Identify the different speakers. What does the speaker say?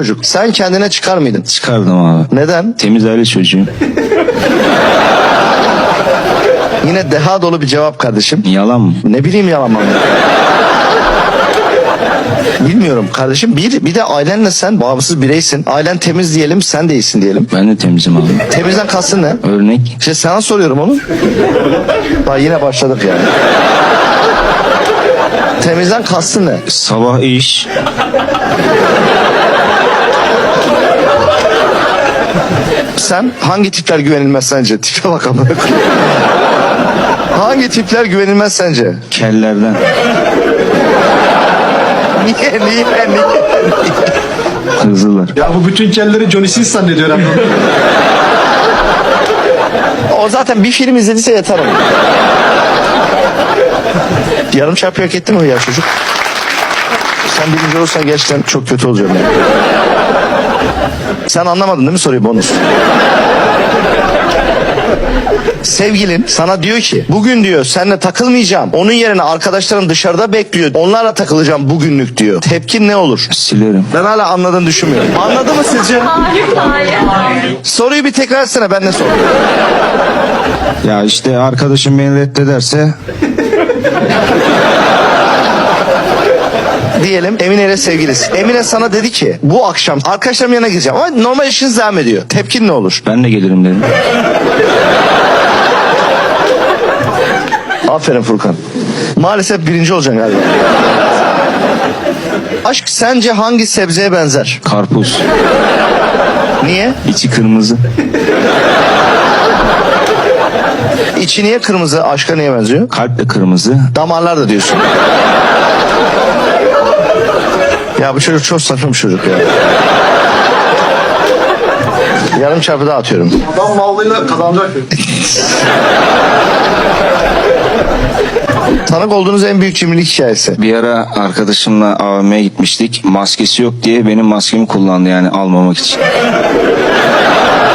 Speaker 1: çocuk. Sen kendine çıkar mıydın?
Speaker 2: Çıkardım abi.
Speaker 1: Neden?
Speaker 2: Temiz aile çocuğuyum.
Speaker 1: Yine deha dolu bir cevap kardeşim.
Speaker 2: Yalan mı?
Speaker 1: Ne bileyim yalan mı? Bilmiyorum kardeşim. Bir de ailenle sen bağımsız bireysin. Ailen temiz diyelim, sen de iyisin diyelim.
Speaker 2: Ben de temizim abi.
Speaker 1: Temizden kastın ne?
Speaker 2: Örnek.
Speaker 1: İşte sana soruyorum onu. Bak yine başladık yani. Temizden kastın ne?
Speaker 2: Sabah iş.
Speaker 1: Sen hangi tipler güvenilmez sence? Tipe bak ama. Hangi tipler güvenilmez sence?
Speaker 2: Kellerden.
Speaker 1: Niye?
Speaker 2: Hızlılar.
Speaker 3: Ya bu bütün kelleri Johnny Sins zannediyor herhalde.
Speaker 1: O zaten bir film izlediyse yeter ona. Yarım çarpı hak etti mi ya çocuk? Sen birinci olursan gerçekten çok kötü olacağım yani. Sen anlamadın değil mi soruyu bonus? Sevgilin sana diyor ki bugün diyor seninle takılmayacağım. Onun yerine arkadaşlarım dışarıda bekliyor. Onlarla takılacağım bugünlük diyor. Tepkin ne olur?
Speaker 2: Silerim.
Speaker 1: Ben hala anladığını düşünmüyorum. Anladı mı sizce?
Speaker 4: Hayır.
Speaker 1: Soruyu bir tekrar etsene, ben ne sordum?
Speaker 2: Ya işte arkadaşım beni reddederse
Speaker 1: Diyelim Emine ile sevgilisin. Emine sana dedi ki bu akşam arkadaşlarımın yanına gideceğim ama normal işiniz devam ediyor. Tepkin ne olur?
Speaker 2: ben de gelirim derim.
Speaker 1: Aferin Furkan. Maalesef birinci olacaksın galiba. Aşk sence hangi sebzeye benzer?
Speaker 2: Karpuz.
Speaker 1: Niye?
Speaker 2: İçi kırmızı.
Speaker 1: İçi niye kırmızı? Aşka niye benziyor?
Speaker 2: Kalp de kırmızı.
Speaker 1: Damarlar da diyorsun. Ya bu çocuk çok saçma bir çocuk ya. Yarım çarpı daha atıyorum.
Speaker 3: Adam mallıyla kazanacak.
Speaker 1: Tanık olduğunuz en büyük cimrilik hikayesi.
Speaker 2: Bir ara arkadaşımla AVM'ye gitmiştik. Maskesi yok diye benim maskemi kullandı yani almamak için.